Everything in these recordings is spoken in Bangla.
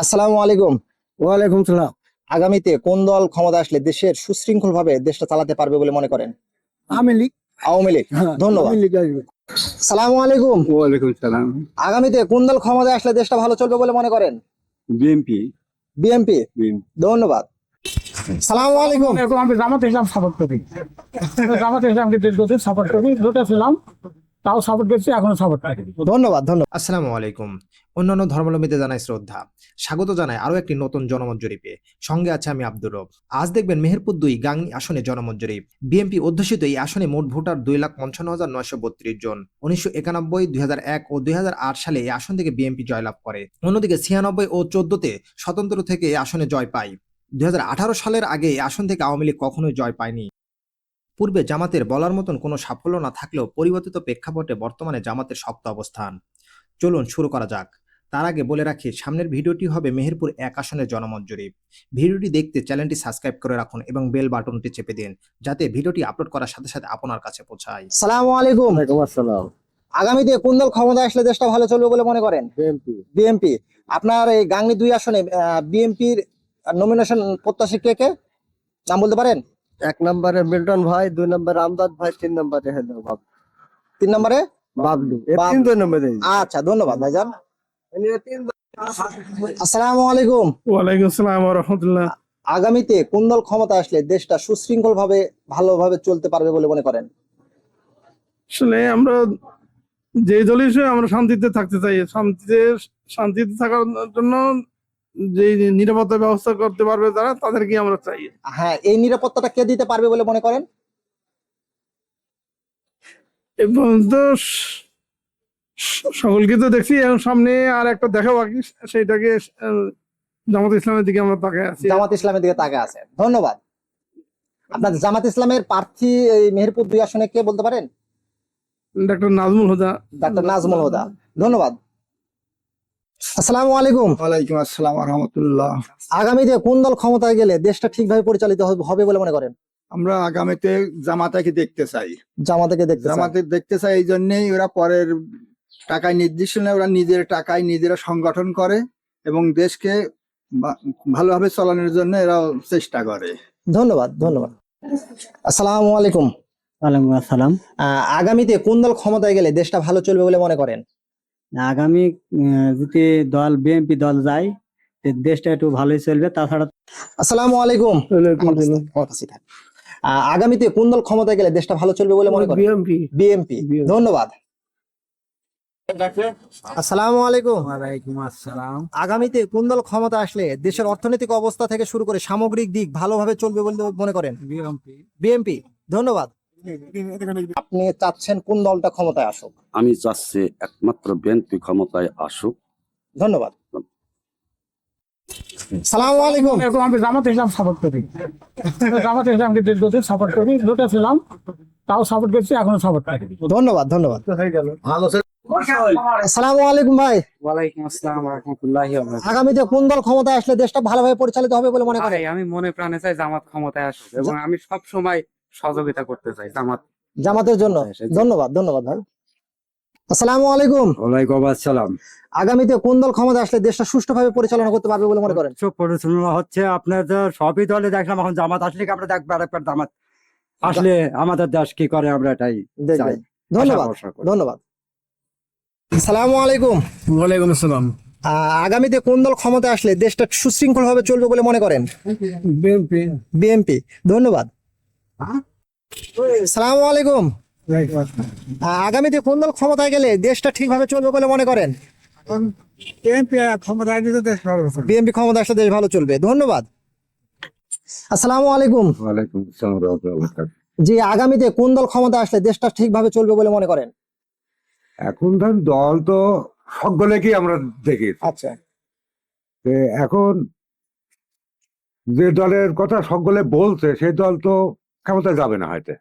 আসসালামু আলাইকুম। ওয়ালাইকুম সালাম। আগামীতে কোন দল ক্ষমতা আসলে দেশের সুশৃঙ্খল ভাবে দেশটা চালাতে পারবে বলে মনে করেন? আওয়ামী লীগ। আওয়ামী লীগ। হ্যাঁ, ধন্যবাদ। আওয়ামী লীগ আসবে। সালামু আলাইকুম। ওয়ালাইকুম সালাম। আগামীতে কোন দল ক্ষমতায় আসলে দেশটা ভালো চলবে বলে মনে করেন? বিএনপি। বিএনপি। ধন্যবাদ। সালামু আলাইকুম। আমি জামাত ইসলাম সাপোর্ট করি। জামাত ইসলামকে দীর্ঘদিন সাপোর্ট করি, ছিলাম, তাও সাপোর্ট করছি, এখনো সাপোর্ট করি। ধন্যবাদ ধন্যবাদ। আসসালামু আলাইকুম। অন্যান্য ধর্মাবলম্বীদের জানাই শ্রদ্ধা। স্বাগত জানাই আরো একটি নতুন জনমত জরিপে। সঙ্গে আছে আমি আব্দুর রব। আজ দেখবেন মেহেরপুর 2 গাংনী আসনে জনমত জরিপ। বিএনপি অধ্যুষিত এই আসনে মোট ভোটার 2,55,932 জন। 1991, 2001 ও 2008 সালে এই আসন থেকে বিএনপি জয়লাভ করে। অন্যদিকে 96 ও 14-তে স্বতন্ত্র থেকে এই আসনে জয় পায়। 2018 সালের আগে এই আসন থেকে আওয়ামী লীগ কখনোই জয় পায়নি। পূর্বে জামাতের বলার মতন কোনো সাফল্য না থাকলেও পরিবর্তিত প্রেক্ষাপটে বর্তমানে জামাতের শক্ত অবস্থান। চলুন শুরু করা যাক। তার আগে বলে রাখি, সামনের ভিডিওটি হবে মেহেরপুর 1 আসনের জনমত জরিপ। ভিডিওটি দেখতে চ্যানেলটি সাবস্ক্রাইব করে রাখুন এবং বেল বাটনটি চেপে দিন, যাতে ভিডিওটি আপলোড করার সাথে সাথে আপনার কাছে পৌঁছায়। সালামু আলাইকুম। ওয়ালাইকুম আসসালাম। আগামীতে কোন দল ক্ষমতায় আসলে দেশটা ভালো চলবে বলে মনে করেন? বিএনপি। বিএনপি। আপনার এই গাংনী 2 আসনে বিএনপির নমিনেশন প্রত্যাশী কে কে নাম বলতে পারেন? 1 নম্বরে মিল্টন ভাই, 2 নম্বরে আমদাদ ভাই, 3 নম্বরে হলো 3 নম্বরে বাবলু। এই বাবলু। 3 নম্বরে। আচ্ছা, ধন্যবাদ ভাইজান। আসসালামু আলাইকুম। ওয়ালাইকুম আসসালাম ওয়া রাহমাতুল্লাহ। আগামীতে কোন দল ক্ষমতা আসলে দেশটা সুশৃঙ্খল ভাবে ভালোভাবে চলতে পারবে বলে মনে করেন? আসলে আমরা যে দলই সে আমরা শান্তিতে থাকতে চাই, শান্তিতে থাকার জন্য যে নিরাপত্তা ব্যবস্থা করতে পারবে যারা, তাদেরকে আমরা চাই। হ্যাঁ, এই নিরাপত্তাটা কে দিতে পারবে বলে মনে করেন? এবং তো সকলকে তো দেখছি, এখন সামনে আর একটা দেখা বাকি, সেইটাকে জামাত ইসলামের দিকে আমরা তাকিয়ে আছি। জামাত ইসলামের দিকে তাকে আছে। ধন্যবাদ। আপনার জামাত ইসলামের প্রার্থী এই মেহেরপুর 2 আসনে কে বলতে পারেন? ডক্টর নাজমুল হুদা। ডাক্তার নাজমুল হুদা। ধন্যবাদ। আসসালামু আলাইকুম। ওয়ালাইকুম আসসালাম ওয়া রাহমাতুল্লাহ। আগামীতে কোন দল ক্ষমতায় গেলে দেশটা ঠিকভাবে পরিচালিত হবে বলে মনে করেন? আমরা আগামীতে জামাতাকে দেখতে চাই। জামাতকে দেখতে চান? জামাতে দেখতে চাই এই জন্যই, ওরা পরের টাকায় নির্দিষ্ট নয়, ওরা নিজের টাকায় নিজেরা সংগঠন করে এবং দেশকে ভালোভাবে চালানোর জন্য এরা চেষ্টা করে। ধন্যবাদ ধন্যবাদ। আসসালামু আলাইকুম। ওয়ালাইকুম আসসালাম। আগামীতে কোন দল ক্ষমতায় গেলে দেশটা ভালো চলবে বলে মনে করেন? আগামী যদি দল বিএনপি দল যায়, দেশটা একটু ভালোই চলবে। তাছাড়া আসসালামু আলাইকুম। আগামীতে কোন দল ক্ষমতায় গেলে দেশটা ভালো চলবে বলে মনে করেন? বিএনপি। বিএনপি। ধন্যবাদ। আসসালামু আলাইকুম। ওয়ালাইকুম আসসালাম। আগামীতে কোন দল ক্ষমতা আসলে দেশের অর্থনৈতিক অবস্থা থেকে শুরু করে সামগ্রিক দিক ভালোভাবে চলবে বলে মনে করেন? বিএনপি। বিএনপি। ধন্যবাদ। আপনি চাচ্ছেন কোন দলটা ক্ষমতায় আসুক? আমি চাচ্ছি একমাত্র বিএনপি ক্ষমতায় আসুক। ধন্যবাদ। সালামু আলাইকুম। আমি জামাত ইসলাম সাপোর্ট করি। জামাত ইসলামকে দীর্ঘদিন সাপোর্ট করি, ছিলাম, তাও সাপোর্ট করছি, এখনো সাপোর্ট করি। ধন্যবাদ ধন্যবাদ। হয়ে গেল। আসসালামু আলাইকুম ভাই। ওয়ালাইকুম আসসালাম ওয়া রাহমাতুল্লাহি ওয়া বারাকাতুহু। আগামীতে কোন দল ক্ষমতায় আসলে দেশটা ভালোভাবে পরিচালিত হবে বলে মনে করেন? আমি মনে প্রাণে চাই জামাত ক্ষমতায় আসুক, এবং আমি সব সময় সহযোগিতা করতে চাই জামাতের জন্য। ধন্যবাদ ধন্যবাদ ভাই। আসসালামু আলাইকুম। ওয়ালাইকুম আসসালাম। আগামীতে কোন দল ক্ষমতা আসলে দেশটা সুষ্ঠুভাবে পরিচালনা করতে পারবে বলে মনে করেন? পরিচালনা হচ্ছে আপনার সবই দলে দেখলাম, এখন জামাত আসলে আমরা দেখবো আরেকবার জামাত আসলে আমাদের দেশ কি করে, আমরা এটাই চাই। ধন্যবাদ ধন্যবাদ। আসসালামু আলাইকুম। ওয়ালাইকুম আসসালাম। আগামীতে কোন দল ক্ষমতা আসলে দেশটা সুশৃঙ্খল ভাবে চলবে বলে মনে করেন? বিএনপি। বিএনপি। ধন্যবাদ। আসসালামু আলাইকুম। আগামীতে কোন দল ক্ষমতায় গেলে দেশটা ঠিকভাবে চলবে বলে মনে করেন? বিএনপি ক্ষমতায় গেলে দেশ ভালো চলবে। বিএনপি ক্ষমতা আসলে দেশ ভালো চলবে। ধন্যবাদ। আসসালামু আলাইকুম। ওয়ালাইকুম আসসালাম ওয়া রাহমাতুল্লাহ। জি, আগামীতে কোন দল ক্ষমতা আসলে দেশটা ঠিকভাবে চলবে বলে মনে করেন? এখন ধর দল তো সকলেকেই আমরা দেখি। আচ্ছা। এখন যে দলের কথা সকলে বলছে সেই দল তো ক্ষমতা যাবে না হয়তো।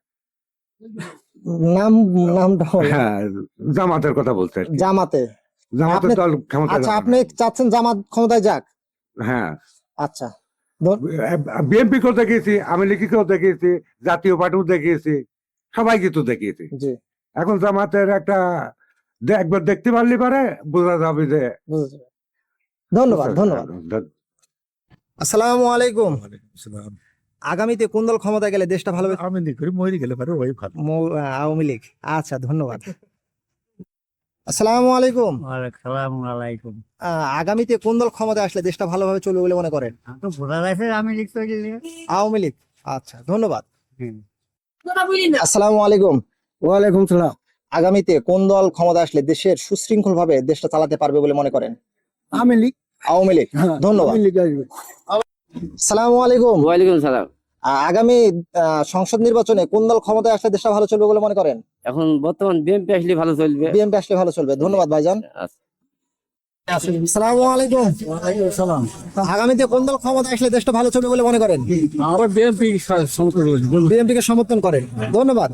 নামটা বলেন। হ্যাঁ, জামাতের কথা বলছে আর কি। জামাতে। জামাতের দল ক্ষমতা আচ্ছা, আপনি চাচ্ছেন জামাত ক্ষমতায় যাক? হ্যাঁ, আচ্ছা। বিএনপি কেও দেখিয়েছি, আওয়ামী লীগকেও দেখিয়েছি, জাতীয় পার্টিও দেখিয়েছি, সবাইকে তো দেখিয়েছি। জি। এখন জামাতের একটা একবার দেখতে পারলে পারে বোঝা যাবে যে ধন্যবাদ ধন্যবাদ। আসসালামু আলাইকুম। আগামীতে কোন দল ক্ষমতায় গেলে দেশটা ভালো হবে? আমি করি মরে গেলে পারে ওই ভালো। আওয়ামী লীগ। আচ্ছা ধন্যবাদ। আসসালামু আলাইকুম। সালাম আলাইকুম। আগামীতে কোন দল ক্ষমতায় আসলে দেশটা ভালোভাবে চলবে বলে মনে করেন? তো ভোটার আছে আমি লিখতে গেলে আওয়ামী লীগ। আচ্ছা ধন্যবাদ। আসসালামু আলাইকুম। ওয়ালাইকুম সালাম। আগামীতে কোন দল ক্ষমতা আসলে দেশের সুশৃঙ্খল ভাবে দেশটা চালাতে পারবে বলে মনে করেন? আমি লিখ। আওয়ামী লীগ। ধন্যবাদ। আসসালামু আলাইকুম। ওয়ালাইকুম সালাম। আগামী সংসদ নির্বাচনে কোন দল ক্ষমতায় আসলে দেশটা ভালো চলবে বলে মনে করেন? এখন বর্তমান বিএনপি আসলে ভালো চলবে। বিএনপি আসলে ভালো চলবে। ধন্যবাদ ভাইজান। আসসালামু আলাইকুম। সালাম। আগামীতে কোন দল ক্ষমতায় আসলে দেশটা ভালো চলবে বলে মনে করেন? আবার বিএনপি বিএনপি কে সমর্থন করেন। ধন্যবাদ।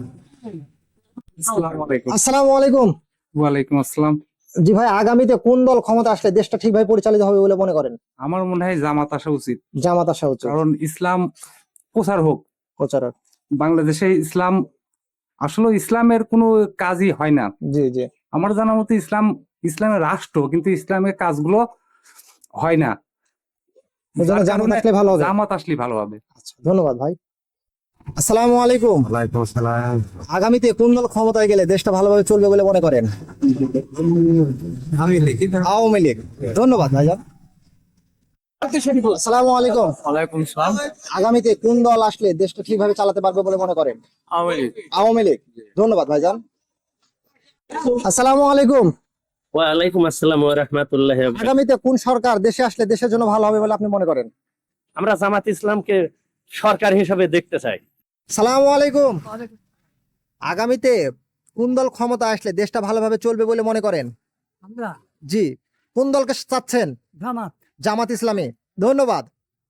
আসসালামু আলাইকুম। ওয়ালাইকুম আসসালাম। জি ভাই, আগামীতে কোন দল ক্ষমতা আসলে দেশটা ঠিকভাবে পরিচালিত হবে বলে মনে করেন? আমার মনে হয় জামাত আসা উচিত, জামাত আসা উচিত। কারণ ইসলাম প্রচার হোক প্রচারক। বাংলাদেশে। ইসলাম আসলে ইসলামের কোনো কাজই হয় না। জি জি। আমার জানা মতে ইসলামের রাষ্ট্র, কিন্তু ইসলামের কাজগুলো হয় না। এজন্য যার জামাত কারণে আসলে ভালো হবে। জামাত আসলে ভালো হবে। আচ্ছা ধন্যবাদ ভাই। আসসালামু আলাইকুম। ওয়ালাইকুম আসসালাম। আগামীতে কোন দল ক্ষমতায় গেলে দেশটা ভালোভাবে চলবে বলে মনে করেন? আওয়ামী লীগ। ধন্যবাদ ভাইজান। আসসালামু আলাইকুম। ওয়ালাইকুম আসসালাম। আগামীতে কোন দল আসলে দেশটা ঠিকভাবে চালাতে পারবে বলে মনে করেন? আওয়ামী লীগ। ধন্যবাদ ভাইজান। আসসালামু আলাইকুম। ওয়ালাইকুম আসসালাম ওয়া রাহমাতুল্লাহি ওয়া বারাকাতুহু। আগামীতে কোন সরকার দেশে আসলে দেশের জন্য ভালো হবে বলে আপনি মনে করেন? আমরা জামাত ইসলামকে সরকার হিসেবে দেখতে চাই। সালামু আলাইকুম। আগামীতে কোন দল ক্ষমতা আসলে দেশটা ভালোভাবে চলবে বলে মনে করেন? আমরা জি। কোন দলকে চাচ্ছেন? জামাত। জামাত ইসলামী। ধন্যবাদ।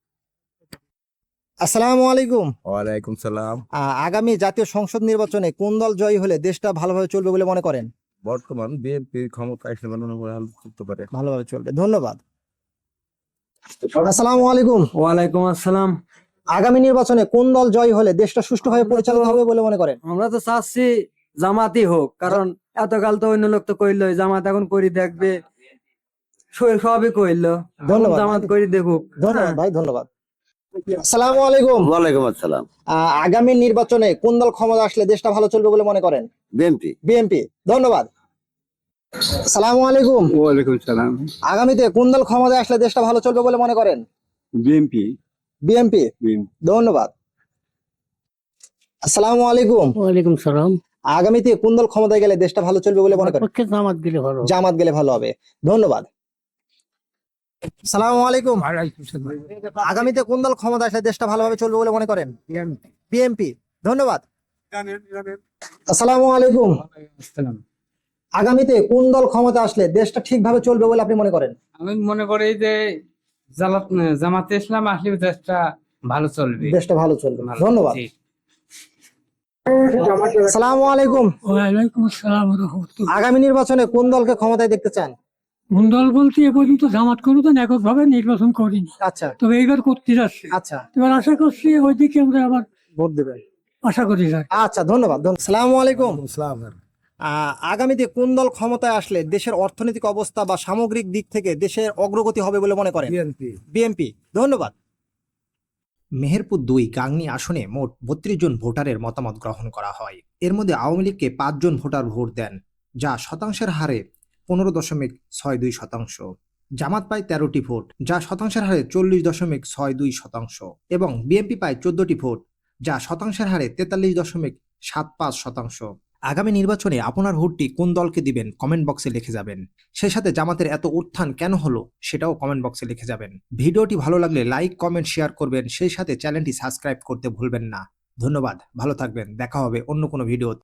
আসসালামু আলাইকুম। ওয়ালাইকুম সালাম। আগামী জাতীয় সংসদ নির্বাচনে কোন দল জয়ী হলে দেশটা ভালোভাবে চলবে বলে মনে করেন? বর্তমান বিএনপি ক্ষমতা আসলে ভালো করতে পারে। ভালোভাবে চলবে। ধন্যবাদ। আসসালামু আলাইকুম। ওয়ালাইকুম আসসালাম। আগামী নির্বাচনে কোন দল জয়ী হলে দেশটা সুষ্ঠুভাবে পরিচালিত হবে বলে মনে করেন? আমরা তো চাচ্ছি জামাতই হোক, কারণ এতকাল তো অন্য লোক তো কইলো, জামাত এখন করি দেখবে, সবই কইলো, ধন্যবাদ। জামাত করি দেখুক। ধন্যবাদ ভাই, ধন্যবাদ। আসসালামু আলাইকুম। ওয়ালাইকুম আসসালাম। আগামী নির্বাচনে কোন দল ক্ষমতা আসলে দেশটা ভালো চলবে বলে মনে করেন? বিএনপি। বিএনপি। ধন্যবাদ। আসসালামু আলাইকুম। ওয়ালাইকুম সালাম। আগামীতে কোন দল ক্ষমতায় আসলে দেশটা ভালো চলবে বলে মনে করেন? বিএনপি। বিএনপি। ধন্যবাদ। আসসালামু আলাইকুম। ওয়ালাইকুম সালাম। আগামীতে কোন দল ক্ষমতায় গেলে দেশটা ভালো চলবে বলে মনে করেন? পক্ষে জামাত গেলে ভালো। জামাত গেলে ভালো হবে। ধন্যবাদ। আসসালামু আলাইকুম। আগামীতে কোন দল ক্ষমতা আসলে দেশটা ভালোভাবে চলবে বলে মনে করেন? বিএনপি। ধন্যবাদ। আসসালামু আলাইকুম। আগামীতে কোন দল ক্ষমতা আসলে দেশটা ঠিকভাবে চলবে বলে আপনি মনে করেন? আমি মনে করি যে জামাতে ইসলাম আসলে দেশটা ভালো চলবে। দেশটা ভালো চলবে। ধন্যবাদ। আসসালামু আলাইকুম। ওয়ালাইকুম আসসালাম ওয়া রাহমাতুল্লাহ। আগামী নির্বাচনে কোন দলকে ক্ষমতায় দেখতে চান? কোন দল বলতে এ পর্যন্ত জামাত কোনোদিন এককভাবে নির্বাচন করিনি, আচ্ছা তবে এইবার করতে যাচ্ছি। আচ্ছা। এবার আশা করছি ওইদিকে আমরা আবার ভোট দেবেন। আশা করি যাই। আচ্ছা ধন্যবাদ। আসসালামু আলাইকুম। ইসলাম। আগামীতে কোন দল ক্ষমতায় আসলে দেশের অর্থনৈতিক অবস্থা বা সামগ্রিক দিক থেকে দেশের অগ্রগতি হবে বলে মনে করেন? বিএনপি। বিএনপি। ধন্যবাদ। মেহেরপুর 2 গাংনী আসনে মোট 32 জন ভোটারের মতামত গ্রহণ করা হয়। এর মধ্যে আওয়ামী লীগকে 5 জন ভোটার ভোট দেন, যা শতাংশের হারে 15.62%। জামাত পায় 13টি ভোট, যা শতাংশের হারে 40.62%, এবং বিএনপি পায় 14টি ভোট, যা শতাংশের হারে 43.75%। আগামী নির্বাচনে আপনার ভোটটি কোন দলকে দিবেন কমেন্ট বক্সে লিখে যাবেন। সেই সাথে জামাতের এত উত্থান কেন হলো সেটাও কমেন্ট বক্সে লিখে যাবেন। ভিডিওটি ভালো লাগলে লাইক, কমেন্ট, শেয়ার করবেন। সেই সাথে চ্যানেলটি সাবস্ক্রাইব করতে ভুলবেন না। ধন্যবাদ, ভালো থাকবেন। দেখা হবে অন্য কোনো ভিডিও।